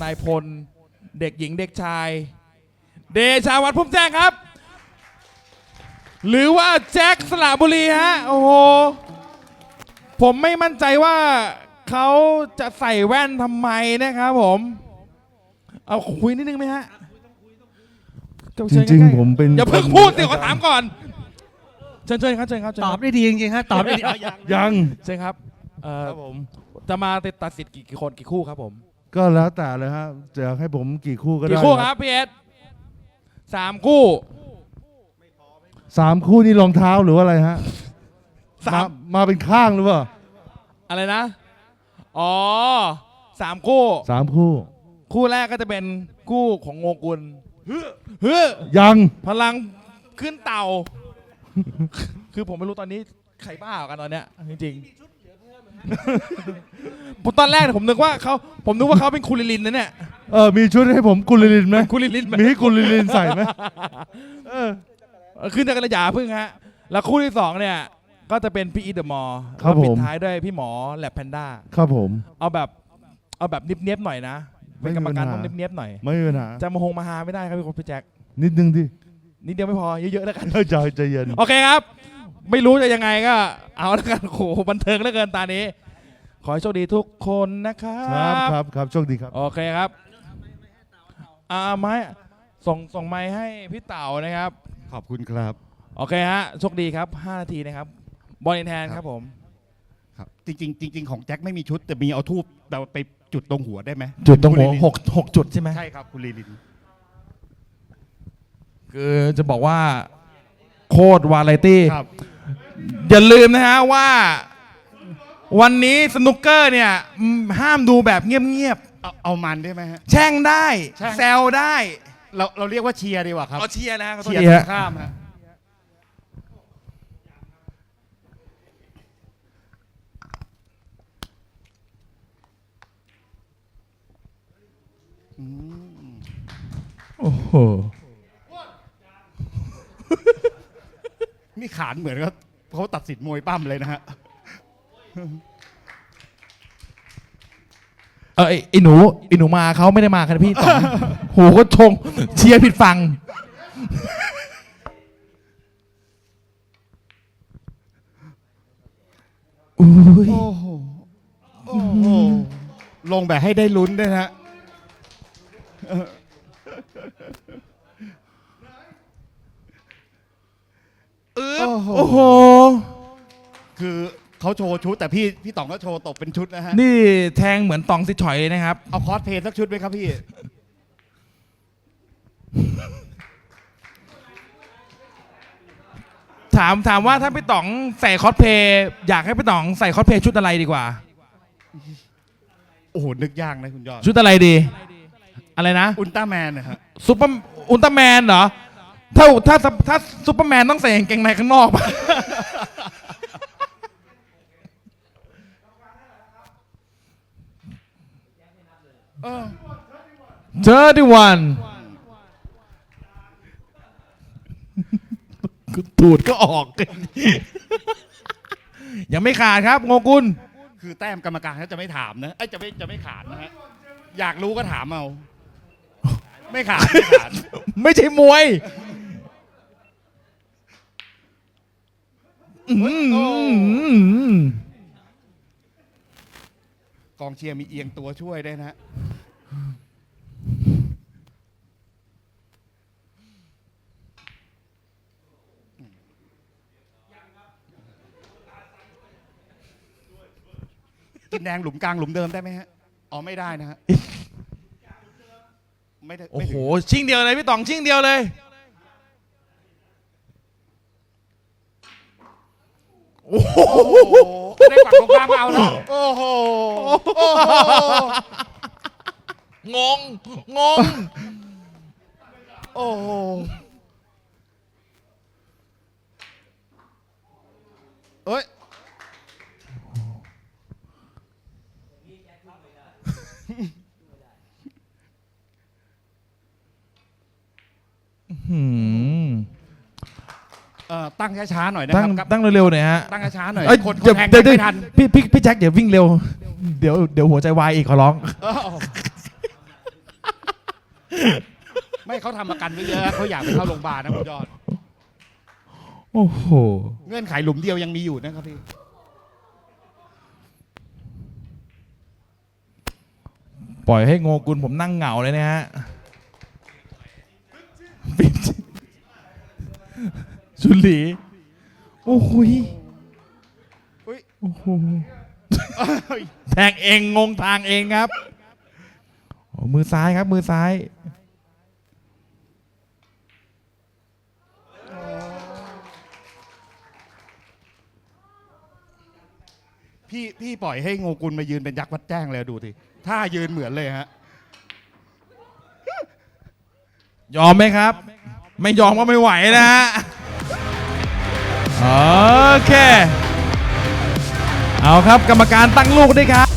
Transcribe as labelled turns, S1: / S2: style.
S1: ายพลเด็กหญิงเด็กชายเดชาวัฒน์พุ่มแจ้งครับหรือว่าแจ็คสระบุรีฮะโอ้โหผมไม่มั่นใจว่าเขาจะใส่แว่นทำไมนะครับผมเอาคุยนิดนึงไหมฮะ
S2: จริงๆผมเป็น
S1: อย่าเพิ่งพูดสิขอถามก่อนเชิญครับ
S3: ตอบได้ดีจริงๆครับตอบได้ดี
S2: ยัง
S1: เชิญครับ
S2: ผม
S1: จะมาตัดสินกี่คนกี่คู่ครับผม
S2: ก็แล้วแต่เลยฮะจะให้ผมกี่คู่ก็ได้
S1: กี่คู่ครับพี่เอส3 คู่
S2: 3 คู่นี่รองเท้าหรือว่าอะไรฮะมาเป็นข้างหรือเปล่า
S1: อะไรนะอ๋อ3 คู่
S2: 3 คู่
S1: คู่แรกก็จะเป็นคู่ของโงกุล
S2: ยัง
S1: พลังขึ้นเต่าคือผมไม่รู้ตอนนี้ใครบ้ากันตอนเนี้ยจริงๆผมตอนแรกผมนึกว่าเขาเป็นคุริลินนะเนี่ย
S2: มีชุดให้ผมกุลิลินไหม
S1: คุริลิน
S2: มีให้กุลิลินใส่ไหม
S1: ขึ้นจากกระยาพึ่งฮะแล้วคู่ที่2เนี่ยก็จะเป็นพี่อีเดอะมอร์ปิดท้ายด้วยพี่หมอแลบแพนด้า
S2: ครับผม
S1: เอาแบบเนียบๆหน่อยนะเป็นกรรมการต้องเนียบๆหน่อย
S2: ไม่มีปัญหา
S1: จะมาหาไม่ได้ครับพี่แจ็ค
S2: นิดนึงดิ
S1: นิดเดียวไม่พอเยอะๆแล้วกัน
S2: ใจเย็น
S1: โอเคครับไม่รู้จะยังไงก็เอาแล้วกันโหบันเทิงเหลือเกินตานี้ขอให้โชคดีทุกคนนะครับ
S2: ครับโชคดีครับ
S1: โอเคครับไม้ส่งไม้ให้พี่เต๋านะครับ
S2: ขอบคุณครับ
S1: โอเคฮะโชคดีครับ5 นาทีนะครับบอลแทนครับผม
S3: ครับจริงของแจ็คไม่มีชุดแต่มีเอาทูบเราไปจุดตรงหัวได้ไหม
S1: จุดตรงหัว6 จุดใช่ไหม
S3: ใช่ครับคุณลีลิน
S1: คือจะบอกว่าโคตรวาไรตี้อย่าลืมนะฮะว่าวันนี้สนุกเกอร์เนี่ยห้ามดูแบบเงียบ
S3: ๆเอามันได้ไหมฮะ
S1: แช่งได้แซวได้
S3: เราเรียกว่าเชียร์ดีกว่าครับ
S1: เชียร์นะ
S3: เชียร์ข้ามฮะ
S1: โอ้โห
S3: นี่ขานเหมือนกับเขาตัดสินมวยปั้มเลยนะฮะ
S1: ไอ้หนูมาเขาไม่ได้มาครับพี่ต่อโหก็ชงเชียร์ผิดฝั่ง
S3: โอ้โหลงแบบให้ได้ลุ้นด้วยฮะ
S1: โอ้โห
S3: คือเขาโชว์ชุดแต่พี่ต๋องก็โชว์ตบเป็นชุดนะฮะ
S1: นี่แทงเหมือนตองสิฉอยเลยนะครับ
S3: เอาคอสเพลย์สักชุดไหมครับพี่
S1: ถามว่าถ้าพี่ต๋องใส่คอสเพลย์อยากให้พี่ต๋องใส่คอสเพลย์ชุดอะไรดีกว่า
S3: โอ้โหนึกยากนะคุณยอด
S1: ชุดอะไรดีอะไรนะ
S3: อุลตร้าแมนนะฮะ
S1: อุลตร้าแมนเหรอถ้าซุปเปอร์แมนต้องใส่กางเกงในข้างนอกป่ะ31ตูดก็ออกยังไม่ขาดครับโงกุล
S3: คือแต้มกรรมการเขาจะไม่ถามนะจะไม่ขาดนะฮะอยากรู้ก็ถามเอาไม่ขาด
S1: ไม่ใช่มวย
S3: กองเชียร์มีเอียงตัวช่วยได้นะกินแดงหลุมกลางหลุมเดิมได้ไหมฮะอ๋อไม่ได้นะฮะไม่ได้
S1: โอ้โหชิงเดียวเลยพี่ต๋องชิงเดียวเลย
S3: โอ้โหได้ฝั่งตรงกลางเอาแล้วโอ้โห
S1: งง
S3: โอ้โหเอ้ยตั้งช้าๆหน่อยนะครับ
S1: ตั้งเร็วๆหน่อยฮะ
S3: ตั้งช้าๆหน่อย
S1: คนแทงไม่ทันพี่แจ็คเดี๋ยววิ่งเร็วเดี๋ยวหัวใจวายอีกขอร้อง
S3: ไม่เขาทำประกันไว้เยอะเขาอยากไปเข้าโรงพยาบาลนะคุณยอด
S1: โอ้โห
S3: เงื่อนไขหลุมเดียวยังมีอยู่นะครับพี่
S1: ปล่อยให้โงกุลผมนั่งเหงาเลยนะฮะปิดชุลี โอ้โหย
S3: อุ๊ย
S1: โอ้โหแทงเองงงทางเองครับโอ้มือซ้ายครับ มือซ้าย
S3: พี่ปล่อยให้โงกุลมายืนเป็นยักษ์วัดแจ้งเลยดูทีถ้ายืนเหมือนเลยฮะ
S1: ยอมไหมครับ ไม่ยอมก็ไม่ไหวนะฮะ โอเค เอาครับกรรมการตั้งลูกด้วยครับ